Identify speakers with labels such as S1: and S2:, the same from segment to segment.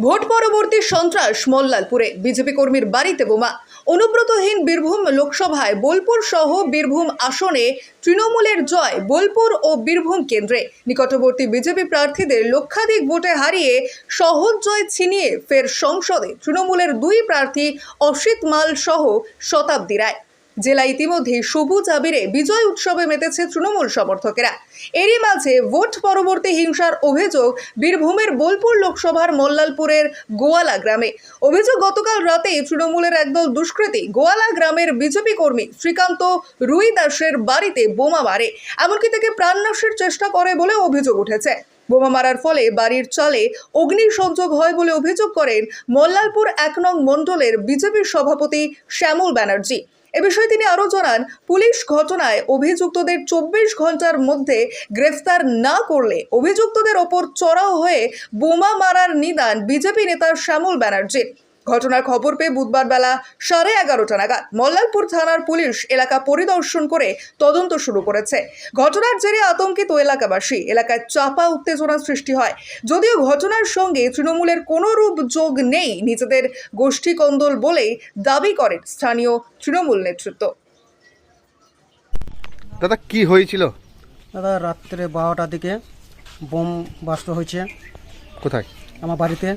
S1: Vote পরবর্তী সন্ত্রাস মল্লালপুরে BJP কর্মীর বাড়িতে বোমা। অনুব্রতহীন বীরভূম লোকসভায় বোলপুর সহ বীরভূম আসনে তৃণমূলের জয়। বোলপুর ও বীরভূম কেন্দ্রে নিকটবর্তী বিজেপি প্রার্থীদের লক্ষাধিক ভোটে হারিয়ে সহজ জয় ছিনিয়ে ফের সংসদে তৃণমূলের দুই প্রার্থী অসিত মাল সহ শতাব্দী রায়। জেলা ইতিমধ্যে সবুজ আবিরে বিজয় উৎসবে মেতেছে তৃণমূল সমর্থকেরা। এরই মাঝে ভোট পরবর্তী হিংসার অভিযোগ বীরভূমের বোলপুর লোকসভার মল্লালপুরের গোয়ালা গ্রামে। অভিযোগ, গতকাল রাতে তৃণমূলের একদল দুষ্কৃতী গোয়ালা গ্রামের বিজেপি কর্মী শ্রীকান্ত রুই দাসের বাড়িতে বোমা মারে, এমনকি তাকে প্রাণনাশের চেষ্টা করে বলে অভিযোগ উঠেছে। বোমা মারার ফলে বাড়ির চালে অগ্নিসংযোগ হয় বলে অভিযোগ করেন মল্লালপুর 1 নং মণ্ডলের বিজেপি সভাপতি শ্যামল ব্যানার্জি। এ বিষয়ে তিনি আরও জানান, পুলিশ ঘটনায় অভিযুক্তদের 24 ঘন্টার মধ্যে গ্রেফতার না করলে অভিযুক্তদের ওপর চড়াও হয়ে বোমা মারার নিদান বিজেপি নেতা শ্যামল ব্যানার্জির। ঘটনার খবর পেয়ে বুধবার বেলা 11:30 নাগাদ মল্লালপুর থানার পুলিশ এলাকা পরিদর্শন করে তদন্ত শুরু করেছে। ঘটনার জেরে আতঙ্কিত এলাকাবাসী, এলাকায় চাপা উত্তেজনা সৃষ্টি হয়। যদিও ঘটনার সঙ্গে তৃণমূলের কোনো রূপ যোগ নেই, নিজেদের গোষ্ঠী কন্দল বলেই দাবি করেন স্থানীয় তৃণমূল নেতৃত্ব।
S2: দাদা, কি হয়েছিল?
S3: দাদা, রাত্রে 12টার দিকে বোম বাস্ট হয়েছে।
S2: কোথায়?
S3: আমার বাড়িতে।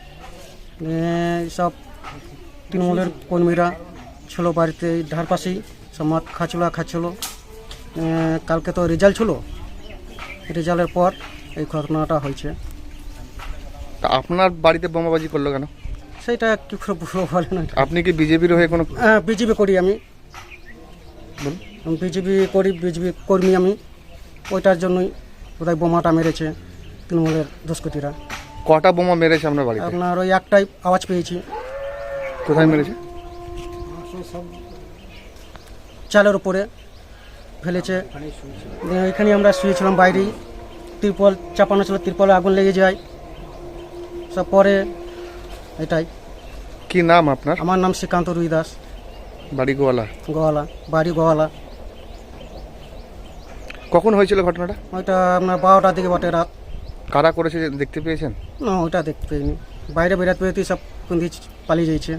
S3: সব তৃণমূলের কর্মীরা ছিল বাড়িতে, ধার পাশেই সব মদ খাচ্ছিল। কালকে তো রেজাল্ট ছিল, রেজাল্টের পর এই ঘটনাটা হয়েছে।
S2: তা আপনার বাড়িতে বোমাবাজি করলো কেন?
S3: সেইটা কি করে বুঝবো বলে না।
S2: আপনি কি বিজেপির হয়ে কোনো?
S3: বিজেপি করি আমি, বিজেপি করি, বিজেপি কর্মী আমি। ওইটার জন্যই বোধহয় বোমাটা মেরেছে তৃণমূলের দুষ্কৃতীরা।
S2: কটা বোমা মেরেছে আপনার বাড়িতে?
S3: আপনার ওই একটাই আওয়াজ পেয়েছি।
S2: কোথায় মেরেছে?
S3: চালের উপরে ফেলেছে। এখানে আমরা শুয়েছিলাম বাইরেই, তিরপল চাপানো ছিল, তিরপলে আগুন লেগে যায় সব। পরে এটাই।
S2: কি নাম আপনার?
S3: আমার নাম শ্রীকান্ত রুই দাস।
S2: বাড়ি গোয়ালা?
S3: গোয়ালা, বাড়ি গোয়ালা।
S2: কখন হয়েছিল ঘটনাটা?
S3: ওইটা আপনার 12টার দিকে বটে, রাত।
S2: কারা করেছে দেখতে পেয়েছেন?
S3: না, ওইটা দেখতে পাইনি। বাইরে বেরাতে বেরোতেই সব কুন্দি পালিয়ে যাইছে।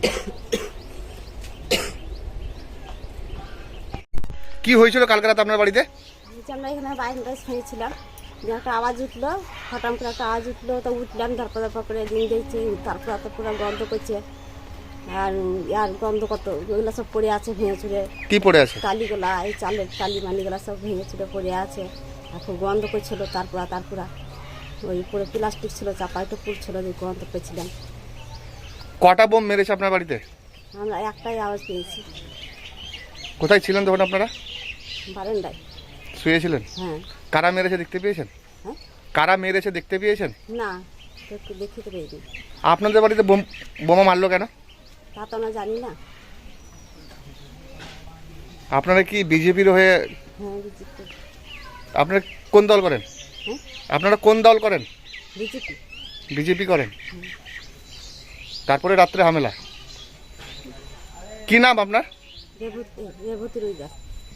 S2: কি হয়েছিল কালকে রাতে আপনার বাড়িতে?
S4: আমরা এখানে বাইরে শুয়েছিলাম, যে একটা আওয়াজ উঠলো, হঠাৎ করে একটা আওয়াজ উঠলো, তো উঠলাম, তারপর করে দিন দেখছি, তারপর তো পুরো গন্ধ করছে। আর গন্ধ কত, ওইগুলো সব পড়ে আছে ভেঙে চুড়ে।
S2: কি পড়ে আছে?
S4: টালিগুলা, এই চালের টালি মালিগুলা সব ভেঙে চুড়ে পড়ে আছে। আর খুব গন্ধ করছিল। তারপর ওই পুরো প্লাস্টিক ছিল, চাপা একটু পুড়ছিল, যে গন্ধ পেয়েছিলাম।
S2: কটা বোম মেরেছে আপনার বাড়িতে?
S4: আমরা একটাই আওয়াজ পেয়েছি।
S2: কোথায় ছিলেন তখন আপনারা?
S4: বারান্দায়
S2: শুয়েছিলেন?
S4: হ্যাঁ।
S2: কারা মেরেছে দেখতে পেয়েছেন?
S4: হ্যাঁ,
S2: কারা মেরেছে দেখতে পেয়েছেন?
S4: না, একটু দেখতে পেয়েছি।
S2: আপনাদের বাড়িতে বোমা মারলো কেন?
S4: তা তো আমরা জানি না।
S2: আপনারা কি বিজেপির হয়ে?
S4: হ্যাঁ, বিজেপি।
S2: আপনারা কোন দল করেন?
S4: হ্যাঁ,
S2: আপনারা কোন দল করেন?
S4: বিজেপি।
S2: বিজেপি করেন। তারপরে রাত্রে হামলা। কি নাম আপনার?
S4: রেবতী রুই দাস।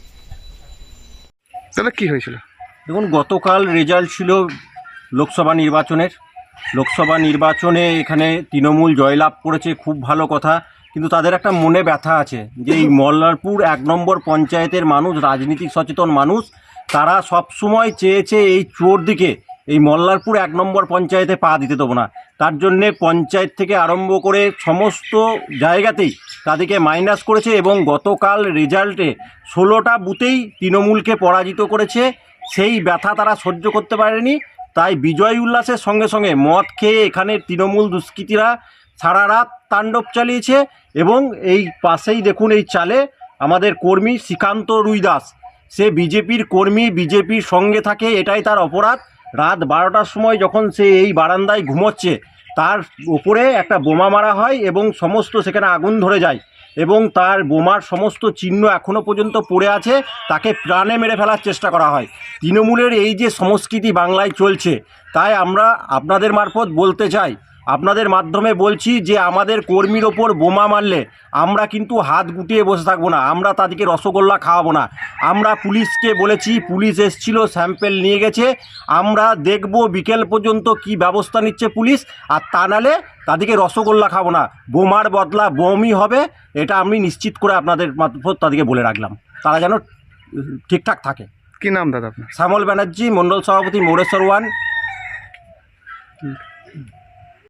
S2: তাহলে কি হয়েছিল?
S5: দেখুন, গতকাল রেজাল্ট ছিল লোকসভা নির্বাচনে এখানে তৃণমূল জয়লাভ করেছে, খুব ভালো কথা। কিন্তু তাদের একটা মনে ব্যথা আছে যে এই মল্লারপুর 1 নম্বর পঞ্চায়েতের মানুষ, রাজনীতিক সচেতন মানুষ, তারা সবসময় চেয়েছে এই চোর দিকে, এই মল্লারপুর 1 নম্বর পঞ্চায়েতে পা দিতে দেবো না। তার জন্যে পঞ্চায়েত থেকে আরম্ভ করে সমস্ত জায়গাতেই তাদেরকে মাইনাস করেছে এবং গতকাল রেজাল্টে 16টা বুথেই তৃণমূলকে পরাজিত করেছে। সেই ব্যথা তারা সহ্য করতে পারেনি, তাই বিজয় উল্লাসের সঙ্গে সঙ্গে মদ খেয়ে এখানে তৃণমূল দুষ্কৃতীরা সারা রাত তাণ্ডব চালিয়েছে। এবং এই পাশেই দেখুন, এই চালে আমাদের কর্মী শ্রীকান্ত রুই দাস, সে বিজেপির কর্মী, বিজেপির সঙ্গে থাকে, এটাই তার অপরাধ। রাত 12টার সময় যখন সে এই বারান্দায় ঘুমোচ্ছে, তার উপরে একটা বোমা মারা হয় এবং সমস্ত সেখানে আগুন ধরে যায় এবং তার বোমার সমস্ত চিহ্ন এখনও পর্যন্ত পড়ে আছে। তাকে প্রাণে মেরে ফেলার চেষ্টা করা হয়। তৃণমূলের এই যে সংস্কৃতি বাংলায় চলছে, তাই আমরা আপনাদের মারফত বলতে চাই, আপনাদের মাধ্যমে বলছি যে আমাদের কর্মীর ওপর বোমা মারলে আমরা কিন্তু হাত গুটিয়ে বসে থাকবো না, আমরা তাদেরকে রসগোল্লা খাওয়াবো না। আমরা পুলিশকে বলেছি, পুলিশ এসেছিল, স্যাম্পেল নিয়ে গেছে, আমরা দেখব বিকেল পর্যন্ত কি ব্যবস্থা নিচ্ছে পুলিশ। আর তা নাহলে তাদেরকে রসগোল্লা খাবো না, বোমার বদলা বোমই হবে, এটা আমি নিশ্চিত করে আপনাদের মারফত তাদেরকে বলে রাখলাম, তারা যেন ঠিকঠাক থাকে।
S2: কি নাম দাদা আপনার?
S5: শ্যামল ব্যানার্জি, মণ্ডল সভাপতি, মোরেশ্বর 1।